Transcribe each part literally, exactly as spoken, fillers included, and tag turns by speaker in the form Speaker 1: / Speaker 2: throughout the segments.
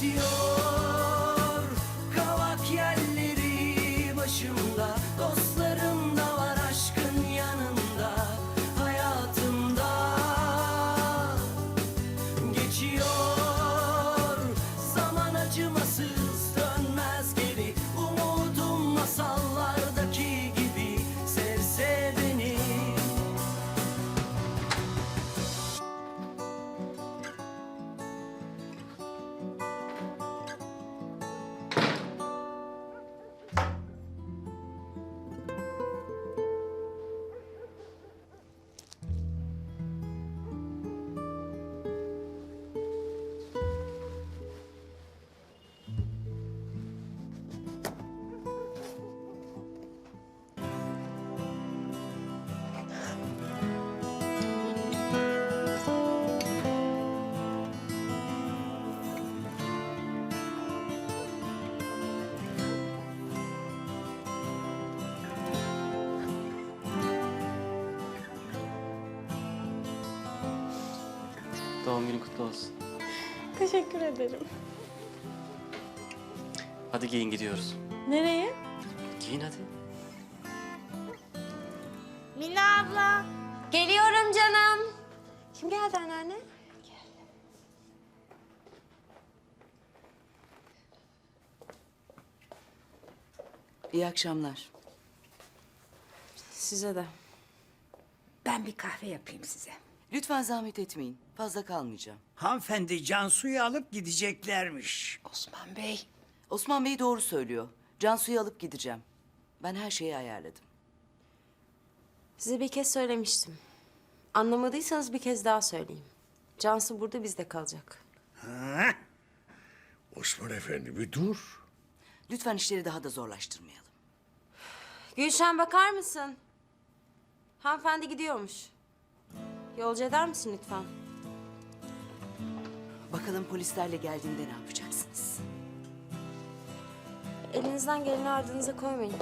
Speaker 1: Geçiyor kavak yelleri başımda, dostlarım da var aşkın yanında, hayatımda. Geçiyor zaman acımasız, dönmez geri, umudum masallardaki gibi, sevse beni.
Speaker 2: Doğum günün kutlu olsun.
Speaker 3: Teşekkür ederim.
Speaker 2: Hadi giyin gidiyoruz.
Speaker 3: Nereye?
Speaker 2: Giyin hadi.
Speaker 3: Mina abla. Geliyorum canım. Kim geldi anneanne?
Speaker 4: İyi akşamlar.
Speaker 3: Size de.
Speaker 5: Ben bir kahve yapayım size.
Speaker 4: Lütfen zahmet etmeyin. Fazla kalmayacağım.
Speaker 6: Hanımefendi Cansu'yu alıp gideceklermiş.
Speaker 5: Osman Bey.
Speaker 4: Osman Bey doğru söylüyor. Cansu'yu alıp gideceğim. Ben her şeyi ayarladım.
Speaker 3: Size bir kez söylemiştim. Anlamadıysanız bir kez daha söyleyeyim. Cansu burada bizde kalacak.
Speaker 6: Ha?
Speaker 7: Osman Efendi bir dur.
Speaker 4: Lütfen işleri daha da zorlaştırmayalım.
Speaker 3: Gülşen bakar mısın? Hanımefendi gidiyormuş. Yolcu eder misin lütfen?
Speaker 4: Bakalım polislerle geldiğinde ne yapacaksınız?
Speaker 3: Elinizden geleni ardınıza koymayın.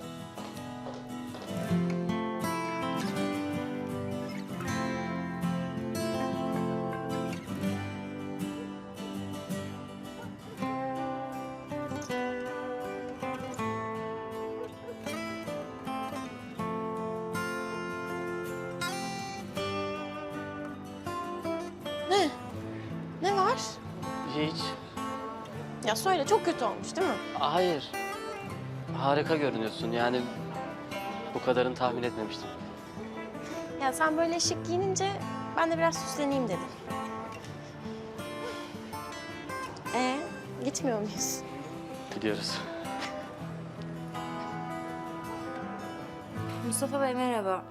Speaker 8: Ne? Ne var?
Speaker 2: Hiç.
Speaker 8: Ya söyle, çok kötü olmuş değil mi?
Speaker 2: Hayır. Harika görünüyorsun yani. Bu kadarını tahmin etmemiştim.
Speaker 8: Ya sen böyle şık giyinince ben de biraz süsleneyim dedim. Ee, gitmiyor muyuz?
Speaker 2: Gidiyoruz.
Speaker 3: Mustafa Bey merhaba.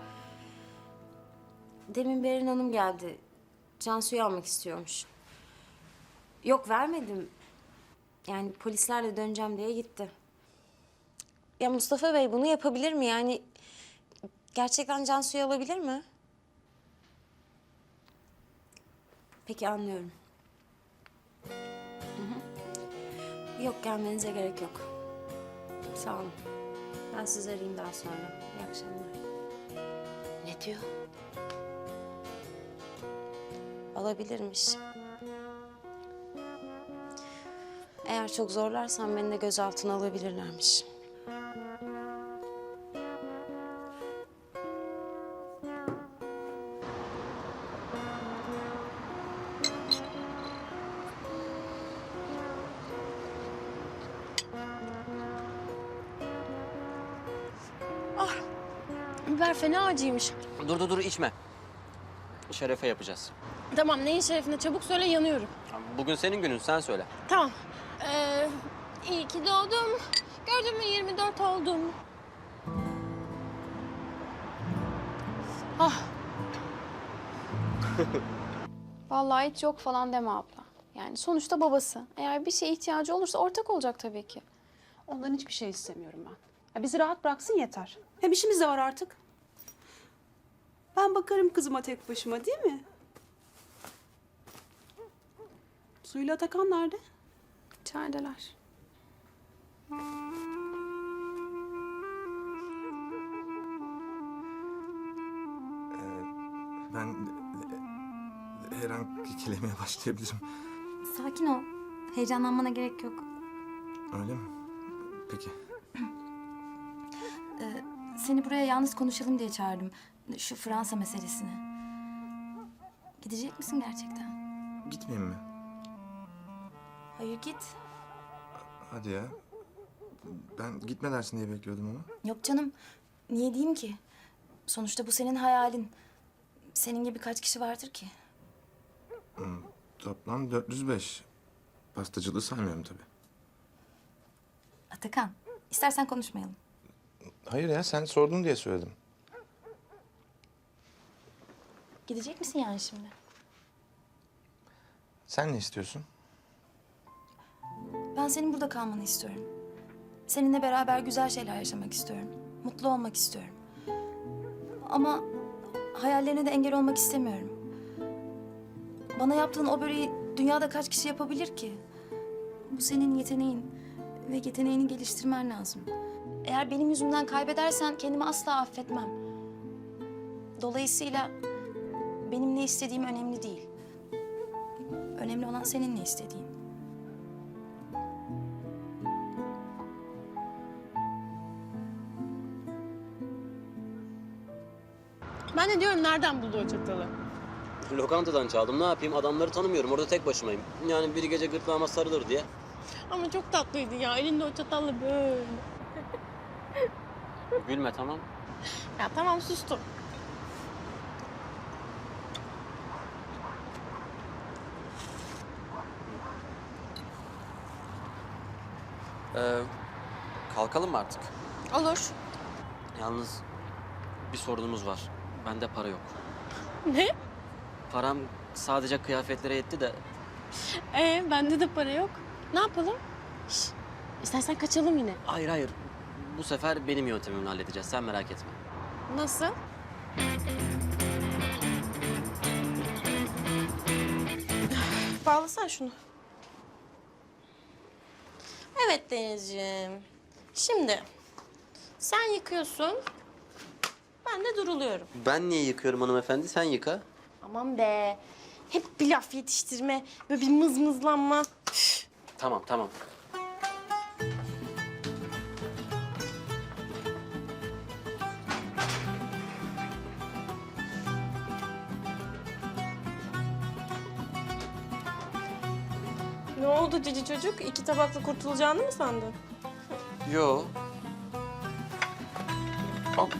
Speaker 3: Demin Berin Hanım geldi. Cansu'yu almak istiyormuş. Yok vermedim. Yani polislerle döneceğim diye gitti. Ya Mustafa Bey bunu yapabilir mi? Yani gerçekten Cansu'yu alabilir mi? Peki anlıyorum. Hı hı. Yok gelmenize gerek yok. Sağ olun. Ben sizi arayayım daha sonra. İyi akşamlar.
Speaker 4: Ne diyor?
Speaker 3: Alabilirmiş. Eğer çok zorlarsan beni de gözaltına alabilirlermiş.
Speaker 8: Biber fena acıymış.
Speaker 2: Dur dur dur içme. Şerefe yapacağız.
Speaker 8: Tamam, neyin şerefine? Çabuk söyle, yanıyorum.
Speaker 2: Bugün senin günün, sen söyle.
Speaker 8: Tamam. Ee, iyi ki doğdum. Gördün mü yirmi dört oldum. Ah.
Speaker 9: Vallahi hiç yok falan deme abla. Yani sonuçta babası. Eğer bir şeye ihtiyacı olursa ortak olacak tabii ki.
Speaker 10: Ondan hiçbir şey istemiyorum ben. Ya bizi rahat bıraksın yeter. Hem işimiz de var artık. Ben bakarım kızıma tek başıma, değil mi? Suyla Atakan nerede?
Speaker 9: İçerideler.
Speaker 11: Ben her an kekelemeye başlayabilirim.
Speaker 9: Sakin ol.
Speaker 3: Heyecanlanmana gerek yok.
Speaker 11: Öyle mi? Peki.
Speaker 3: Seni buraya yalnız konuşalım diye çağırdım. Şu Fransa meselesini. Gidecek misin gerçekten?
Speaker 11: Gitmeyeyim mi?
Speaker 3: Hayır, git.
Speaker 11: Hadi ya. Ben gitme dersin diye bekliyordum ama.
Speaker 3: Yok canım. Niye diyeyim ki? Sonuçta bu senin hayalin. Senin gibi kaç kişi vardır ki?
Speaker 11: Toplam dört yüz beş. Pastacılığı saymıyorum tabii.
Speaker 3: Atakan, istersen konuşmayalım.
Speaker 11: Hayır ya, sen sordun diye söyledim.
Speaker 3: Gidecek misin yani şimdi?
Speaker 11: Sen ne istiyorsun?
Speaker 3: Ben senin burada kalmanı istiyorum. Seninle beraber güzel şeyler yaşamak istiyorum. Mutlu olmak istiyorum. Ama hayallerine de engel olmak istemiyorum. Bana yaptığın o böreği dünyada kaç kişi yapabilir ki? Bu senin yeteneğin ve yeteneğini geliştirmen lazım. Eğer benim yüzümden kaybedersen kendimi asla affetmem. Dolayısıyla benim ne istediğim önemli değil. Önemli olan senin ne istediğin.
Speaker 8: Ben de diyorum nereden buldu o çatalı?
Speaker 2: Lokantadan çaldım. Ne yapayım? Adamları tanımıyorum. Orada tek başımayım. Yani bir gece gırtlağıma sarılır diye.
Speaker 8: Ama çok tatlıydı ya. Elinde o çatalla böyle.
Speaker 2: Gülme, tamam.
Speaker 8: Ya tamam, sustum.
Speaker 2: Ee, kalkalım mı artık?
Speaker 8: Olur.
Speaker 2: Yalnız bir sorunumuz var. Bende para yok.
Speaker 8: Ne?
Speaker 2: Param sadece kıyafetlere yetti de
Speaker 8: Ee, bende de para yok. Ne yapalım? Şş, istersen kaçalım yine.
Speaker 2: hayır hayır. Bu sefer benim yöntemimle halledeceğiz. Sen merak etme.
Speaker 8: Nasıl? Bağlasana şunu. Evet Denizciğim. Şimdi sen yıkıyorsun. Ben de duruluyorum.
Speaker 2: Ben niye yıkıyorum hanımefendi? Sen yıka.
Speaker 8: Aman be. Hep bir laf yetiştirme. Böyle bir mızmızlanma.
Speaker 2: Tamam tamam.
Speaker 8: Ne oldu cici çocuk? İki tabakla kurtulacağını mı sandın?
Speaker 2: Yo. Hop.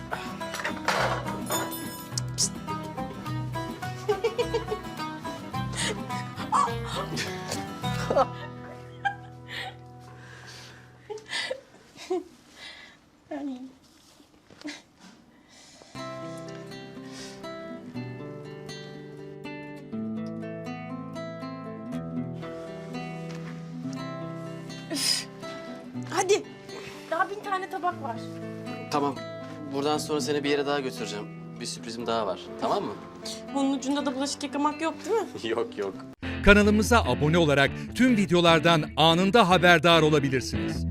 Speaker 8: Hadi. Daha bin tane tabak var.
Speaker 2: Tamam. Buradan sonra seni bir yere daha götüreceğim. Bir sürprizim daha var. Tamam mı?
Speaker 8: Bunun ucunda da bulaşık yıkamak yok değil mi?
Speaker 2: yok yok.
Speaker 12: Kanalımıza abone olarak tüm videolardan anında haberdar olabilirsiniz.